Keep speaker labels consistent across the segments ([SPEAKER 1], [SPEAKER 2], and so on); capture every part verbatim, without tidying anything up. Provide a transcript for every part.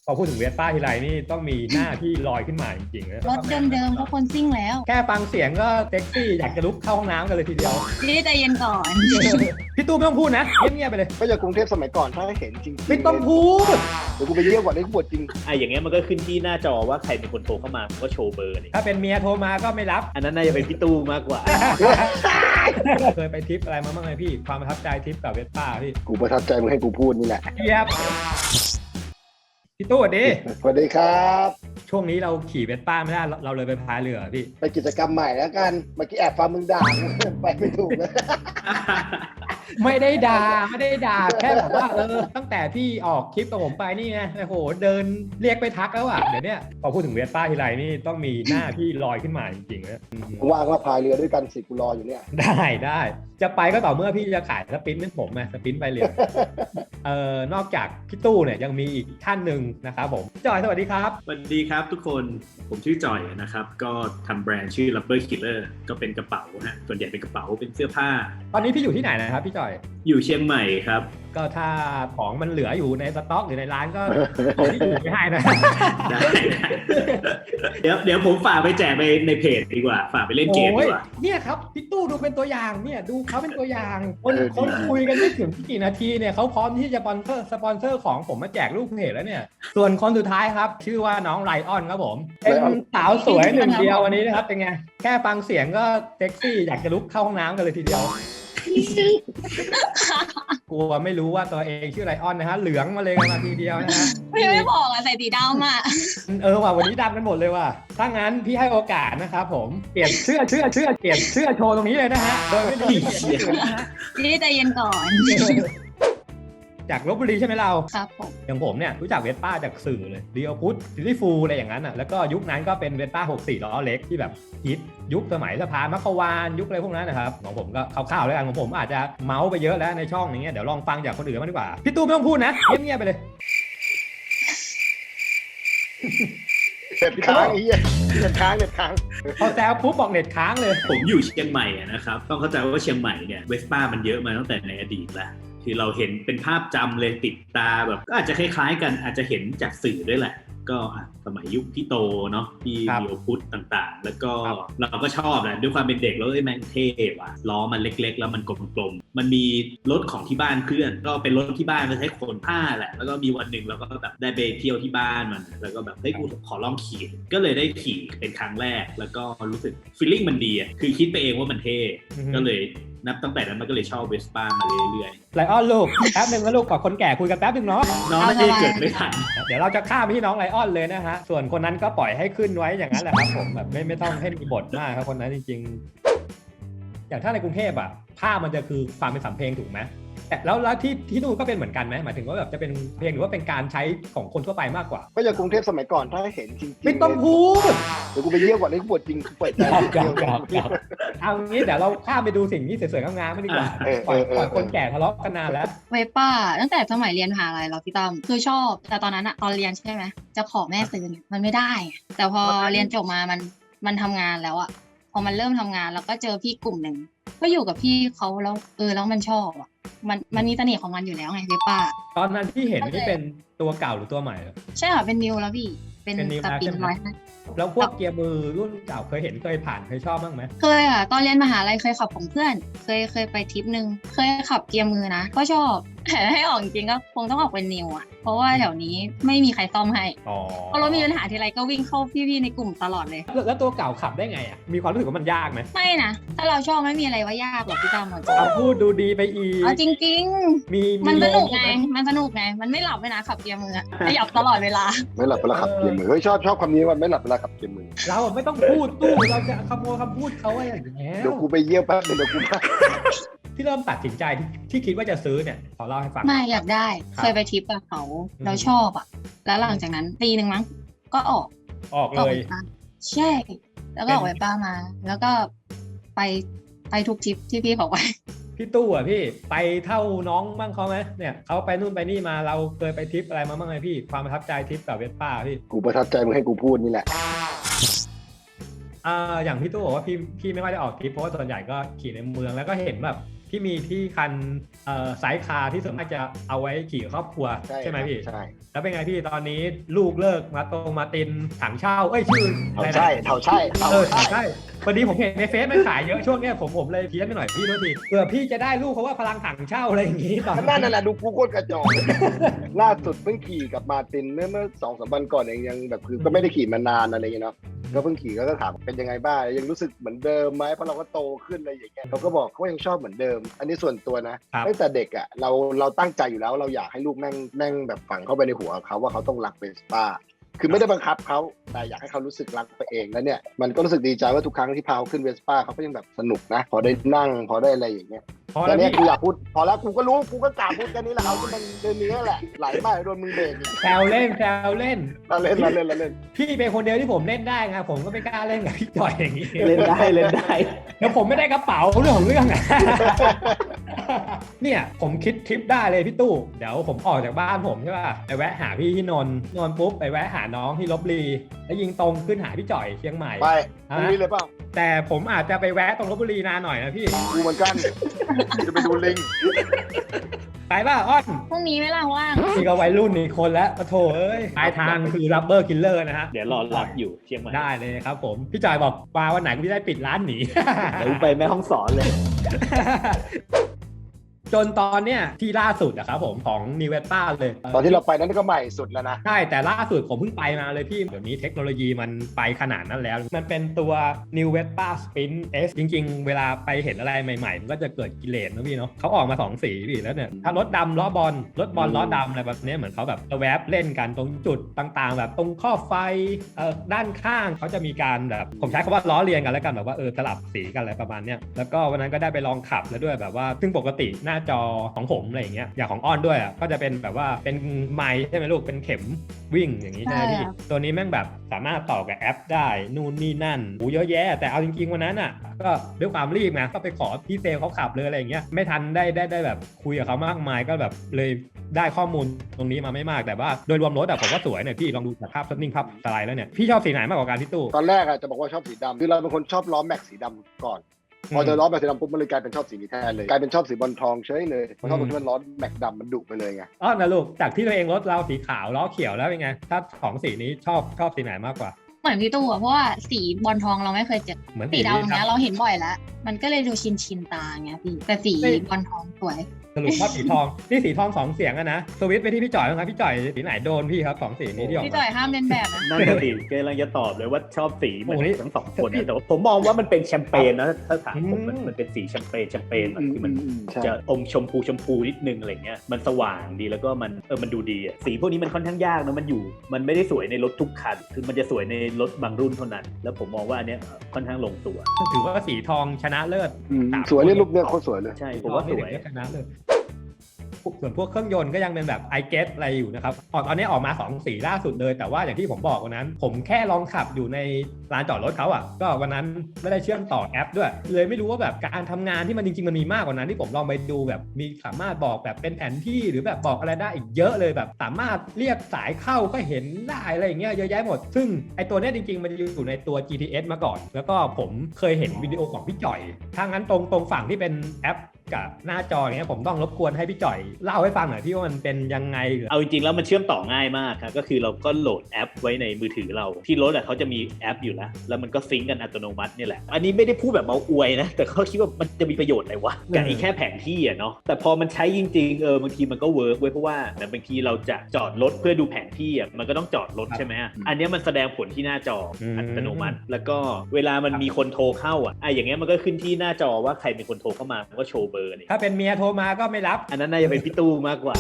[SPEAKER 1] พอพูดถึงเวสป้าทีไรนี่ต้องมีหน้าที่ลอยขึ้นมาจริงๆนะ
[SPEAKER 2] รถเดิมๆก็คนซิ่งแล้ว
[SPEAKER 1] แค่ฟังเสียงก็เซ็กซี่อยากจะลุกเข้าห้องน้ำกันเลยทีเดียว
[SPEAKER 2] พี่ใจเย็นก่อน
[SPEAKER 1] พี่ตู้ไม่ต้องพูดนะเงียบๆไปเลย
[SPEAKER 3] ก็อย่างกรุงเทพสมัยก่อนถ้าเห็นจริง
[SPEAKER 1] ไม่ต้องพูด
[SPEAKER 3] เดี๋ยวกูไปเยี่ยมก่อนได้กูปวดจริง
[SPEAKER 4] ไอ้อย่างเงี้ยมันก็ขึ้นที่หน้าจอว่าใครเป็นคนโทรเข้ามาก็โชว์เบอร์นี่
[SPEAKER 1] ถ้าเป็นเมียโทรมาก็ไม่รับ
[SPEAKER 4] อันนั้นน่าจะเป็นพี่ตู้มากกว่า
[SPEAKER 1] เคยไปทริปอะไรมาบ้างไหมพี่ความประทับใจทริปกับเวสป้าพี่
[SPEAKER 3] กูประทับใจมึงให้กูพูดนี่แหละ
[SPEAKER 1] เยียบพี่ตู้สวัสดี
[SPEAKER 3] สวัสดีครับ
[SPEAKER 1] ช่วงนี้เราขี่เวสป้าไม่ได้เราเลยไปพายเรือพี่
[SPEAKER 3] ไปกิจกรรมใหม่แล้วกันเมื่อกี้แอบฟังมึงด่าไปไม่ถูกเลย
[SPEAKER 1] ไม่ได้ด่าไม่ได้ด่าแค่แบบว่าเออตั้งแต่พี่ออกคลิปกับผมไปนี่ไงโอ้โหเดินเรียกไปทักแล้วอ่ะเดี๋ยวนี้พอพูดถึงเวสป้าทีไรนี่ต้องมีหน้าที่ลอยขึ้นมาจริงๆนะ
[SPEAKER 3] ว่างก็พายเรือด้วยกันสิกูรออยู่เนี่ย
[SPEAKER 1] ได้ได้จะไปก็ต่อเมื่อพี่จะขายสปินให้ผมไงสปินไปเรือเอ่อนอกจากพี่ตู้เนี่ยยังมีอีกท่านหนึ่งนะครับผมจอยสวัสดีครับ
[SPEAKER 4] สวัสดีครับทุกคนผมชื่อจอยนะครับก็ทำแบรนด์ชื่อ Rubber Killer ก็เป็นกระเป๋าฮะส่วนใหญ่เป็นกระเป๋าเป็นเสื้อผ้า
[SPEAKER 1] ตอนนี้พี่อยู่ที่ไหนนะครับพี่จอย
[SPEAKER 4] อยู่เชียงใหม่ครับ
[SPEAKER 1] ก็ถ้าของมันเหลืออยู่ในสต็อกหรือในร้านก็ที่อยู่ไม่ให้นะ
[SPEAKER 4] ได้เดี๋ยวเดี๋ยวผมฝากไปแจกไปในเพจดีกว่าฝากไปเล่นเกมดีกว่า
[SPEAKER 1] เนี่ยครับพี่ตู้ดูเป็นตัวอย่างเนี่ยดูเขาเป็นตัวอย่างคนคนคุยกันไม่ถึงกี่นาทีเนี่ยเขาพร้อมที่จะสปอนเซอร์สปอนเซอร์ของผมมาแจกลูกเพจแล้วเนี่ยส่วนคนสุดท้ายครับชื่อว่าน้องไลออนครับผมเป็นสาวสวยหนึ่งเดียววันนี้นะครับเป็นไงแค่ฟังเสียงก็เซ็กซี่อยากจะลุกเข้าห้องน้ำกันเลยทีเดียวกลัวไม่รู้ว่าตัวเองชื่อไลออนนะฮะเหลืองมาเลยกันมาทีเดียวนะฮะ
[SPEAKER 2] พี่ไม่บอกอะใส่สีดำอะ
[SPEAKER 1] เออว่ะวันนี้ดำกันหมดเลยว่ะถ้างั้นพี่ให้โอกาสนะครับผมเปลี่ยนเชื่อเชื่อเชื่อเปลี่ยนเชื่อโชว์ตรงนี้เลยนะฮะโดยไม่ต้องเปลี่ยนชื่อนะฮะ
[SPEAKER 2] พี่ใจเย็นก่อน
[SPEAKER 1] จากลพบุรีใช่ไหมเรา
[SPEAKER 2] ครับผม
[SPEAKER 1] อย่างผมเนี่ยรู้จักเวสป้าจากสื่อเลยเรียวพุทธซิตี้ฟูลอะไรอย่างนั้นอ่ะแล้วก็ยุคนั้นก็เป็นเวสป้าหกสิบสี่ล้อเล็กที่แบบฮิตยุคสมัยสะพานมัคควานยุคอะไรพวกนั้นนะครับของผมก็คร่าวๆแล้วกันของผมอาจจะเมาส์ไปเยอะแล้วในช่องนี้เดี๋ยวลองฟังจากคนอื่นมางดีกว่าพี่ตู้ไม่ต้องพูดนะเงียบๆไปเลย
[SPEAKER 3] เน็ตค้างไอ้เหี้ยเน็ตค้างเน็ตค้าง
[SPEAKER 1] พอแซวปุ๊บบอกเน็ตค้างเลย
[SPEAKER 4] ผมอยู่เชียงใหม่นะครับต้องเข้าใจว่าเชียงใหม่เนี่ยเวสป้ามันเยอะมาตั้งแต่ในอดีตแล้วคือเราเห็นเป็นภาพจำเลยติดตาแบบก็อาจจะคล้ายๆกันอาจจะเห็นจากสื่อด้วยแหละก็สมัยยุคพี่โตเนาะพี่เดียวพุทธต่างๆแล้วก็เราก็ชอบแหละด้วยความเป็นเด็กแล้วไอ้แม่งเท่ว่ะล้อมันเล็กๆแล้วมันกลมๆมันมีรถของที่บ้านเคลื่อนก็เป็นรถที่บ้านก็ใช้ขนผ้าแหละแล้วก็มีวันหนึ่งเราก็แบบได้ไปเที่ยวที่บ้านมันแล้วก็แบบเฮ้ยกูขอลองขี่ก็เลยได้ขี่เป็นครั้งแรกแล้วก็รู้สึกฟีลลิ่งมันดีอ่ะคือคิดไปเองว่ามันเท่ก็เลยนับตั้งแต่นั้นมันก็เลยชอบเวสป้ามาเรื่อย
[SPEAKER 1] ๆไลออนลูกแป๊บนึงนะลูกกับคนแก่คุยกันแป๊บนึงเนาะ
[SPEAKER 4] น้องไม่ได้เกิดไม่ทัน
[SPEAKER 1] เดี๋ยวเราจะข้ามไปที่น้องไลออนเลยนะฮะส่วนคนนั้นก็ปล่อยให้ขึ้นไว้อย่างนั้นแหละครับผมแบบไม่ไม่ต้องให้มีบทมากครับคนนั้นจริงๆอย่างถ้าในกรุงเทพอ่ะภาพมันจะคือความเป็นสำเพลงถูกไหมแต่แล้วแล้วที่ที่นู่นก็เป็นเหมือนกันไหมหมายถึงว่าแบบจะเป็นเพลงหรือว่าเป็นการใช้ของคนทั่วไปมากกว่า
[SPEAKER 3] ก็อย่างกรุงเทพสมัยก่อนถ้าเห็นจริงๆ
[SPEAKER 1] ไม่ต้องพูด
[SPEAKER 3] เดี๋ยวกูไปเยี่ยมก่อนได้กูปวดจริงกูปวดใจ
[SPEAKER 1] เกี่ยวกับเอางี้เดี๋ยวเราข้ามไปดูสิ่งที่สวยๆงามๆไม่ดีกว่าปล่อยคนแก่ทะเลาะกันนานแล้ว
[SPEAKER 2] เวป้าตั้งแต่สมัยเรียนมหาลัยเราพี่ตั้มคือชอบแต่ตอนนั้นอะตอนเรียนใช่ไหมจะขอแม่ซื้อมันไม่ได้แต่พอเรียนจบมามันมันทำงานแล้วอะพอมันเริ่มทำงานแล้วก็เจอพี่กลุ่มหนึ่งก็อยู่กับพี่เขาแล้วเออแล้วมันชอบอะมันมันมีเสน่ห์ของมันอยู่แล้วไงเวป้า
[SPEAKER 1] ตอนนั้นที่เห็นนี่เป็นตัวเก่าหรือตัวใหม่
[SPEAKER 2] ใช่ค่ะเป็นนิวแล้วพี่เป็นสปินร้อย
[SPEAKER 1] แล้วพวกเกียร์มือรุ่นเก่าเคยเห็นเคยผ่านเคยชอบบ้างไหม
[SPEAKER 2] เคยค่ะตอนเรียนมหาลัยเคยขับของเพื่อนเคยเคยไปทริปนึงเคยขับเกียร์มือนะก็ชอบแต่ให้ออกจริงก็คงต้องออกเป็นนิวอ่ะเพราะว่าแถวนี้ไม่มีใครซ่อมให้พอรถมีปัญหาทีไรก็วิ่งเข้าพี่ๆในกลุ่มตลอดเลย
[SPEAKER 1] แล้วตัวเก่าขับได้ไงอ่ะมีความรู้สึกว่ามันยากไหม
[SPEAKER 2] ไม่นะถ้าเราชอบไม่มีอะไรว่ายากหรอกพี่ตั้ม
[SPEAKER 1] เอาพูดดูดีไปอีก
[SPEAKER 2] จริงๆมีมันสนุกไงมันสนุกไงมันไม่หลับเวลาขับเกียร์มือขยับตลอดเวลา
[SPEAKER 3] ไม่หลับเวลาขับเกียร์มือเฮ้ยชอบชอบคำนี้ว่าไม่หลับเวลาขับเกียร์มือ
[SPEAKER 1] เราไม่ต้องพูดตู้เราจะขโมยคำพูดเขาว่าอย่างนี้
[SPEAKER 3] เดี๋ยวกูไปเยี่ยมแป๊บเดี๋ยวกูไป
[SPEAKER 1] ที่เริ่มตัดสินใจที่คิดว่าจะซื้อเนี่ยขอเล่าให้ฟัง
[SPEAKER 2] ไม่อยากได้เคยไปทริปกับเขาแล้วชอบอ่ะแล้วหลังจากนั้นปีหนึ่งมั้งก็ออก
[SPEAKER 1] ออกเลย
[SPEAKER 2] ใช่แล้วก็ออกไปป้ามาแล้วก็ไปไปทุกทริปที่พี่บอกไว้
[SPEAKER 1] พี่ตู้อ่ะพี่ไปเท่าน้องบ้างเขาไหมเนี่ยเขาไปนู่นไปนี่มาเราเคยไปทริปอะไรมาบ้างไหมพี่ความประทับใจทริปกับเวสป้าพี่
[SPEAKER 3] กูประทับใจมึงให้กูพูดนี่แหละ
[SPEAKER 1] อ่าอย่างพี่ตู้บอกว่าพี่พี่ไม่ค่อยได้ออกทริปเพราะว่าส่วนใหญ่ก็ขี่ในเมืองแล้วก็เห็นแบบที่มีที่คันเอ่อไซส์คาร์ที่ส่วนมากจะเอาไว้ขี่ครอบครัวใช่ไหมพี่
[SPEAKER 3] ใช่
[SPEAKER 1] แล้วเป็นไงพี่ตอนนี้ลูกเลิกมาตรงมาตินถังเช่าเอ้ยชื่อ
[SPEAKER 3] เถา
[SPEAKER 1] อะไรนะ
[SPEAKER 3] ใช่เถาใช่เถา
[SPEAKER 1] เออ
[SPEAKER 3] ใช่
[SPEAKER 1] ใช่พอดีผมเห็นในเฟซมันขายเยอะช่วงเนี้ยผมผมเลยเพี้ยนไปหน่อยพี่โทษทีเผื่อพี่จะได้ลูกเพราะว่าพลังถังเช่าอะไรอย่างงี้ตอน
[SPEAKER 3] นั่นน่ะดูกูโคตรกระจอก ล่าสุดเพิ่งขี่กับมาร์ตินเมื่อเมื่อสองสามวันก่อนเองยังแบบคือก็ไม่ได้ขี่มานานอะไรอย่างเงี้ยเนาะก็เพิ่งขี่ก็ถามเป็นยังไงบ้างยังรู้สึกเหมือนเดิมไหมเพราะเราก็โตขึ้นอะไรอย่างเงี้ยเขาก็บอกเขายังชอบเหมือนเดิม อันนี้ส่วนตัวนะตั้งแต่เด็กอ่ะเราเราตั้งใจอยู่แล้วเราอยากให้ลูกแม่งแม่งแบบฝังเข้าไปในหัวเขาว่าเขาต้องรักเวสป้าคือไม่ได้บังคับเขาแต่อยากให้เขารู้สึกรักไปเองแล้วเนี่ยมันก็รู้สึกดีใจว่าทุกครั้งที่พาเขาขึ้นเวสป้าเขาก็ยังแบบสนุกนะพอได้นั่งพอได้อะไรอย่างเงี้ย
[SPEAKER 1] พอ
[SPEAKER 3] แล้
[SPEAKER 1] แล้ว ว
[SPEAKER 3] เนี่ย
[SPEAKER 1] พี่
[SPEAKER 3] กูอยากพูดพอแล้วกูก็รู้กูก็กล่าวพูดแค่นี้แหละเอาที่มันเดินนี้แหละไหลมากโดนมึงเบรกอีก
[SPEAKER 1] แซวเล่นแซวเล่น
[SPEAKER 3] เราเล่นเราเล่นเราเล่น
[SPEAKER 1] พี่เป็นคนเดียวที่ผมเล่นได้ไงผมก็ไม่กล้าเล่นกับพี่จ่อยอย่างนี้
[SPEAKER 4] เล่นได้เล่นได้
[SPEAKER 1] เดี๋ยวผมไม่ได้กระเป๋าเรื่องของเรื่องอะ เนี่ยผมคิดทริปได้เลยพี่ตู้เดี๋ยวผมออกจากบ้านผมใช่ป่ะไปแวะหาพี่ที่นนท์นนท์ปุ๊บไปแวะหาน้องที่ลบบุรีแล้วยิงตรงขึ้นหาพี่จ่อยเชียงใหม่
[SPEAKER 3] ไป
[SPEAKER 1] ฮะ
[SPEAKER 3] พรุ่งนี้เลยเปล่า
[SPEAKER 1] แต่ผมอาจจะไปแวะตรงลบบุรีนานหน่อยนะพี่
[SPEAKER 3] กูเหมือนกันกูจะไปดูลิง
[SPEAKER 1] ไปป่ะอ้อน
[SPEAKER 2] พรุ่งนี้เวลาว่าง
[SPEAKER 1] นี่ก็วัยรุ่นอีกคนแล้วปะโถเอ้ยปลายทางคือรับเบอร์กิลเลอร์นะฮะ
[SPEAKER 4] เดี๋ยวรอรับอยู่เชียงใหม่
[SPEAKER 1] ได้เลยครับผมพี่จ่อยบอกมาวันไหนก็ไม่ได้ปิดร้านหนี
[SPEAKER 4] เดี๋ยวไปแม่ห้องสอนเลย
[SPEAKER 1] จนตอนเนี้ยที่ล่าสุดอะครับผมของนิเวต้าเลย
[SPEAKER 3] ตอนที่เราไปนั้นก็ใหม่สุดแล้วนะ
[SPEAKER 1] ใช่แต่ล่าสุดผมเพิ่งไปมาเลยพี่เดี๋ยวนี้เทคโนโลยีมันไปขนาดนั้นแล้ว มันเป็นตัว New Vespa Sprint S จริงๆ เวลาไปเห็นอะไรใหม่ๆ มันก็จะเกิดกิเลสนะพี่เนาะเขาออกมาสองสีพี่แล้วเนี่ยถ้ารถดำล้อบอลรถบอลล้อดำอะไรแบบเนี้ยเหมือนเขาแบบแวบเล่นกันตรงจุดต่างๆ แบบตรงข้อไฟเอ่อด้านข้างเขาจะมีการแบบผมใช้คำว่าล้อเลียนกันแล้วกันแบบว่าเออสลับสีกันอะไรประมาณเนี้ยแล้วก็วันนั้นก็ได้ไปลองขับแล้วด้วยแบบว่าซึ่งปกติหน้าจอของผมอะไรอย่างเงี้ยอย่างของอ้อนด้วยอ่ะก็จะเป็นแบบว่าเป็นไมค์ใช่ไหมลูกเป็นเข็มวิ่งอย่างนี้ใช่ไหมพี่ตัวนี้แม่งแบบสามารถต่อกับแอปได้นู่นนี่นั่นโอ้เยอะแยะแต่เอาจริงๆวันนั้นอ่ะก็ด้วยความรีบไงก็ไปขอพี่เซลเขาขับเลยอะไรอย่างเงี้ยไม่ทันได้ได้ได้แบบคุยกับเขามากมายก็แบบเลยได้ข้อมูลตรงนี้มาไม่มากแต่ว่าโดยรวมรถอ่ะผมว่าสวยเนี่ยพี่ลองดูจากภาพนิ่งภาพสไลด์แล้วเนี่ยพี่ชอบสีไหนมากกว่ากันพี่ตู้
[SPEAKER 3] ตอนแรกอะจะบอกว่าชอบสีดำคือเราเป็นคนชอบล้อแม็กสีดำก่อนพอเจอล้อแม็กสีดำปุ๊บมันเลยกลายเป็นชอบสีนี้แทนเลยกลายเป็นชอบสีบอลทองเฉยเลยเพราะชอบตรงที่มันล้อแม็กดำมันดุไปเลยไง
[SPEAKER 1] อ้อนนะลูกจากที่ตัวเองรถเราสีขาวล้อเขียวแล้วเป็นไงถ้าของสีนี้ชอบชอบสีไหนมากกว่า
[SPEAKER 2] เหมือนพี่ตู้อะเพราะว่าสีบอลทองเราไม่เคยเจอ
[SPEAKER 1] เหมือน
[SPEAKER 2] สีดำเนี้ยเราเห็นบ่อยแล้ว มันก็เลยดูชินชินตาไงพี่แต่สีบอลทองสวย
[SPEAKER 1] สรุปว่าสีทองนี่สีทองสองเสียงอะนะสวิตช์ไปที่พี่จ่อยนะครับพี่จ่อยสีไหนโดนพี่ครับสองสีนี้ที่ออก
[SPEAKER 2] พี่
[SPEAKER 1] มา
[SPEAKER 2] จ่อยห้ามเล่นแบบนะ
[SPEAKER 4] นั่นก็สิกำลังจะตอบเลยว่าชอบสีเหมือ
[SPEAKER 1] โอ้ย
[SPEAKER 4] นทั้งสองคนนะแต่ว่าผมมองว่ามันเป็นแชมเปญนะถ้าถามผมมัน
[SPEAKER 1] อืม
[SPEAKER 4] มันเป็นสีแชมเปญแชมเปญแบบที่มัน
[SPEAKER 3] ใช่
[SPEAKER 4] จะอมชมพูชมพูนิดนึงอะไรเงี้ยมันสว่างดีแล้วก็มันเออมันดูดีอะสีพวกนี้มันค่อนข้างยากนะมันอยู่มันไม่ได้สวยในรถทุกคันคือมันจะสวยในรถบางรุ่นเท่านั้น แล้วผมมองว่าอันเนี้ยค่อนข้างลงตัว
[SPEAKER 1] ถือว่าสีทองชนะเลิศ
[SPEAKER 3] อืมสวยเนี่ยลูกเนี่ยโคตรสวยเลย
[SPEAKER 4] ใช่ผมว่าสวย
[SPEAKER 1] สีทองนี่ชนะเลิศส่วนพวกเครื่องยนต์ก็ยังเป็นแบบ i g e t อะไรอยู่นะครับออกตอนนี้ออกมาสองสีล่าสุดเลยแต่ว่าอย่างที่ผมบอกวันนั้น ผมแค่ลองขับอยู่ในลานจอดรถเขาอ่ะก็วันนั้นไม่ได้เชื่อมต่อแอปด้วยเลยไม่รู้ว่าแบบการทำงานที่มันจริงๆมันมีมากกว่านั้นที่ผมลองไปดูแบบมีสามารถบอกแบบเป็นแผนที่หรือแบบบอกอะไรได้อีกเยอะเลยแบบสามารถเรียกสายเข้าก็เห็นได้อะไรอย่างเงี้ยเยอะแยะหมดซึ่งไอตัวเนี้ยจริงๆมันอยู่ในตัว จี ที เอส มาก่อนแล้วก็ผมเคยเห็นวิดีโอของพี่จ่อยถ้างั้นตรงตรงฝั่งที่เป็นแอปกับหน้าจออย่างเงี้ยผมต้องรบกวนให้พี่จ่อยเล่าให้ฟังหน่อยพี่ว่ามันเป็นยังไงหรือ
[SPEAKER 4] เอาจริงๆแล้วมันเชื่อมต่อง่ายมากครับก็คือเราก็โหลดแอปไว้ในมือถือเราที่รถอ่ะเขาจะมีแอปอยู่แล้วแล้วมันก็ซิงก์กันอัตโนมัตินี่แหละอันนี้ไม่ได้พูดแบบเมาอวยนะแต่เขาคิดว่ามันจะมีประโยชน์อะไรวะกับไอ้แค่แผนที่อ่ะเนาะแต่พอมันใช้จริงๆเออบางทีมันก็เวิร์กไว้เพราะว่าแต่บางทีเราจะจอดรถเพื่อดูแผนที่อ่ะมันก็ต้องจอดรถใช่ไหมอันนี้มันแสดงผลที่หน้าจออัตโนมัติแล้วก็เวลามันมีคนโทรเข้าอ่ะไอ้อย่างเงี้ยมันก็ขึ้นที่หน้าจอว่าใครเป็นคนโทรเข้ามามันก็โชว์เบอร์นี่
[SPEAKER 1] ถ้าเป็นเมียโทรมาก็ไม่รับ
[SPEAKER 4] อันนั้นน่าจะเป็นพี่ตู้มากกว่า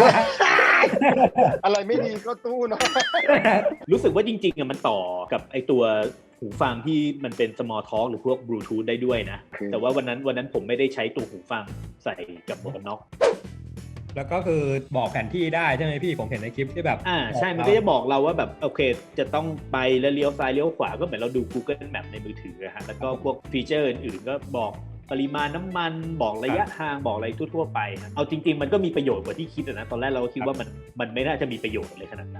[SPEAKER 3] อะไรไม่ดีก็ตู้เนาะ
[SPEAKER 4] รู้สึกว่าจริงๆอ่ะมันต่อกับไอตัวหูฟังที่มันเป็น small talk หรือพวก Bluetooth ได้ด้วยนะ
[SPEAKER 3] คือ
[SPEAKER 4] แต่ว่าวันนั้นวันนั้นผมไม่ได้ใช้ตัวหูฟังใส่กับหมวกกันน็อก
[SPEAKER 1] แล้วก็คือบอกแผนที่ได้ใช่ไหมพี่ผมเห็นในคลิปที่แบบ
[SPEAKER 4] อ่าใช่มันก็จะบอกเราว่าแบบโอเคจะต้องไปแล้วเลี้ยวซ้ายเลี้ยวขวาก็เหมือนเราดู Google Map ในมือถือฮะแล้วก็พวกฟีเจอร์อื่นๆก็บอกปริมาณน้ำมันบอกระยะทางบอกอะไรทั่วๆไปฮะเอาจริงๆมันก็มีประโยชน์กว่าที่คิดนะตอนแรกเราก็คิดว่ามันมันไม่น่าจะมีประโยชน์เลยขนาดนั้นมัน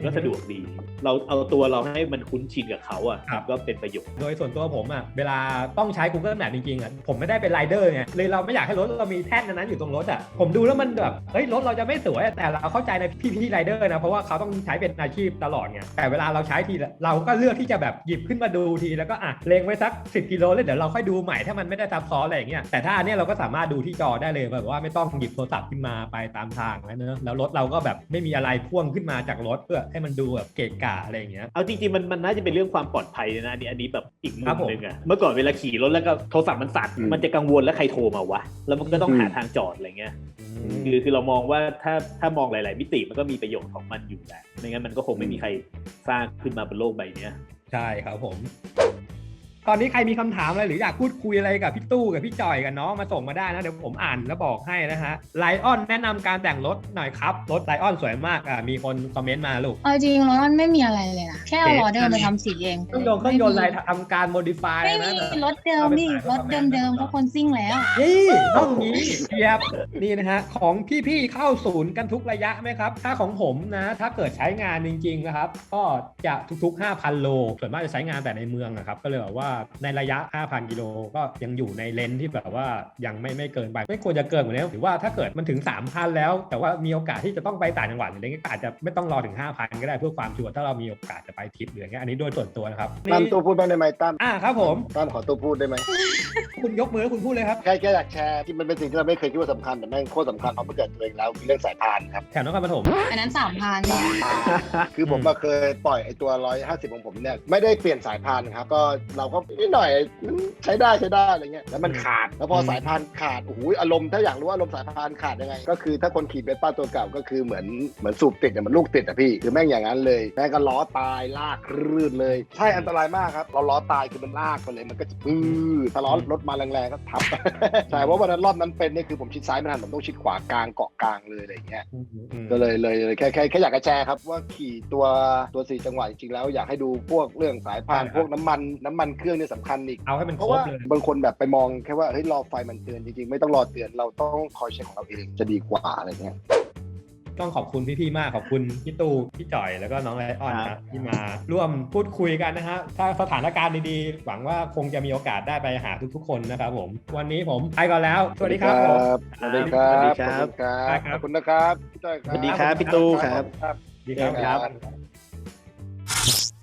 [SPEAKER 4] ก็สะดวกดี เราเอาตัวเราให้มันคุ้นชินกับเขาอ่ะ
[SPEAKER 1] ครับ
[SPEAKER 4] ก็เป็นประโยชน์
[SPEAKER 1] โดยส่วนตัวผมอ่ะเวลาต้องใช้ Google Map จริงๆอ่ะผมไม่ได้เป็นไรเดอร์ไงเลยเราไม่อยากให้รถเรามีแท่นนั้นอยู่ตรงรถอ่ะผมดูแล้วมันแบบเฮ้ยรถเราจะไม่สวยแต่เราเข้าใจในพี่ๆไรเดอร์นะเพราะว่าเขาต้องใช้เป็นอาชีพตลอดไงแต่เวลาเราใช้ทีเราก็เลือกที่จะแบบหยิบขึ้นมาดูทีแล้วก็อ่ะเล็งไว้สักสิบกิโลเลยเดี๋ยวเราค่อยดูใหม่ถ้ามันไม่ได้ซับซ้อนอะไรอย่างเงี้ยแต่ถ้าอันเนี้ยเราก็สามารถดูที่จอได้เลยแบบว่าไม่ต้องหยิบโทรศัพท์ขึ้นมาไปตามทางแล้วเนอะแล้วรถเราก็แบบไม่มีอะไรพ่วงขึ้นมาจากรถเพื่อให้มันดูแบบเกะกะอะไรอย่างเงี้ย
[SPEAKER 4] เอาจริงๆมันมันน่าจะเป็นเรื่องความปลอดภัยนะอันนี้อันนี้แบบอีกมุ
[SPEAKER 1] ครั
[SPEAKER 4] ม
[SPEAKER 1] บผม
[SPEAKER 4] หนึงอะเมื่อก่อนเวลาขี่รถแล้วก็โทรศัพท์มันสั่น
[SPEAKER 3] อืม
[SPEAKER 4] มันจะกังวลแล้วใครโทรมาวะแล้วมันก็ต้องหาทางจอดอะไรเงี้ยคือคือเรามองว่าถ้าถ้ามองหลายๆมิติมันก็มีประโยชน์ของมันอยู่แหละไม่งั้นมันก็คงไม่มีใครสร้างขึ้นมาบนโลกใบเนี้ย
[SPEAKER 1] ใช่ครับผม ตอนนี้ใครมีคำถามอะไรหรืออยากพูดคุยอะไรกับพี่ตู้กับพี่จอยกับน้องมาส่งมาได้นะเดี๋ยวผมอ่านแล้วบอกให้นะฮะไลออนแนะนำการแต่งรถหน่อยครับรถไลออนสวยมากอ่ะมีคนคอมเมนต์มาลูก
[SPEAKER 2] เอาจริงรถมันไม่มีอะไรเลยนะแค่เอาล้อเดิมไปทำสีเอง
[SPEAKER 1] เครื่องยนต์เครื่องยนต์อะไรทำการโมดิฟาย
[SPEAKER 2] ไม่
[SPEAKER 1] นะ
[SPEAKER 2] มีรถเดิมนี่รถเดิมๆก็คนซิ่งแล้ว
[SPEAKER 1] นี่ต้องนี้เทียบนี่นะฮะของพี่ๆเข้าศูนย์กันทุกระยะไหมครับถ้าของผมนะถ้าเกิดใช้งานจริงๆนะครับก็จะทุกๆ ห้าพัน โลส่วนมากจะใช้งานแต่ในเมืองนะครับก็เลยแบบว่าในระยะ ห้าพัน กิโลก็ยังอยู่ในเลนที่แบบว่ายังไม่ไม่เกินไปไม่ควรจะเกินกว่านี้หรือว่าถ้าเกิดมันถึง สามพัน แล้วแต่ว่ามีโอกาสที่จะต้องไปต่างจังหวัดอะไรเงี้ยก็อาจจะไม่ต้องรอถึง ห้าพัน ก็ได้เพื่อความชัวร์ถ้าเรามีโอกาสจะไปทริปหรืออย่างเงี้ยอันนี้โดยส่วนตัวนะครับ
[SPEAKER 3] ตั้ม
[SPEAKER 1] นี่
[SPEAKER 3] ตัวพูดบ้างได้ไหมตั้ม
[SPEAKER 1] อ่าครับผม
[SPEAKER 3] ตั้มขอตัวพูดได้ไหม
[SPEAKER 1] คุณยกมือแล้วคุณพูดเลยครับ
[SPEAKER 3] แค่แค่อยากแชร์ที่มันเป็นสิ่งที่เราไม่เคยคิดว่าสำคัญแต่แม่งโคตรสำคัญเพราะมันเกิดตัวเองแล้วคือเรื่องสายพานครับ
[SPEAKER 1] แถวนครปฐม
[SPEAKER 2] อันนั้นสามพัน
[SPEAKER 3] คือผมก็เคยปล่อยไอ้ตัวร้อยห้าสิบของผมเนี่ยไม่ได้เปลี่ยนสายพานครับก็เราก็นิดหน่อยใช้ได้ใช้ได้อะไรเงี้ยแล้วมันขาดแล้วพอสายพานขาดโอ้โหอารมณ์ถ้าอยากรู้ว่าอารมณ์สายพานขาดยังไงก็คือถ้าคนขี่เบสป้าตัวเก่าก็คือเหมือนเหมือนสูบติดเนี่ยมันลูกติดอะพี่คือแม่งอย่างนั้นเลยแม่งก็ล้อตายลากรื่นเลยใช่อันตรายมากครับเราล้อตายคือมันลากไปเลยมันก็จะปื้อถ้าล้อรถมาแรงๆก็ทับ ใช่เพราะวันนั้นรอบนั้นเป็นนี่คือผมชิดซ้ายไม่ทันผมต้องชิดขวากลางเกาะกลางเลยอะไรอย่างเงี้ย ก็เลยเลยเลยแค่แค่แค่อยากจะแชร์ครับว่าขี่ตัวตัวสี่จังหวะจริงๆแล้วอยากให้ดูพวกเรื่องสายพาน
[SPEAKER 1] ใช่ครับ
[SPEAKER 3] พวกน้ำมันน้ำมันเครื่องเนี่ยสำคัญอีก
[SPEAKER 1] เอาให้มัน
[SPEAKER 3] เพ
[SPEAKER 1] คร
[SPEAKER 3] ราะ
[SPEAKER 1] บ
[SPEAKER 3] ว่า
[SPEAKER 1] เลย
[SPEAKER 3] บางคนแบบไปมองแค่ว่าเฮ้ยรอไฟมันเตือนจริงๆไม่ต้องรอเตือนเราต้องคอยเช็คของเราเองจะดีกว่าอะไรเงี้ย
[SPEAKER 1] ต้องขอบคุณพี่ๆมากขอบคุณพี่ตู้พี่จ่อยแล้วก็น้องไลออน
[SPEAKER 4] ครั
[SPEAKER 1] นะ
[SPEAKER 4] บ
[SPEAKER 1] ที่มาร่วมพูดคุยกันนะฮะถ้าสถานการณ์ดีๆหวังว่าคงจะมีโอกาสได้ไปหาทุกๆคนนะครับผมวันนี้ผมไปก่อนแล้วสวัสดีครับผม
[SPEAKER 3] สวัสดีครับ
[SPEAKER 4] สวัสดีครับ
[SPEAKER 3] ขอบคุณครับขอบคุณนะครับพี่จ้อยครับ
[SPEAKER 4] สวัสดีครับพี่ตู้ครับ
[SPEAKER 3] ครับ
[SPEAKER 1] สวัสดีครับ
[SPEAKER 3] ครับ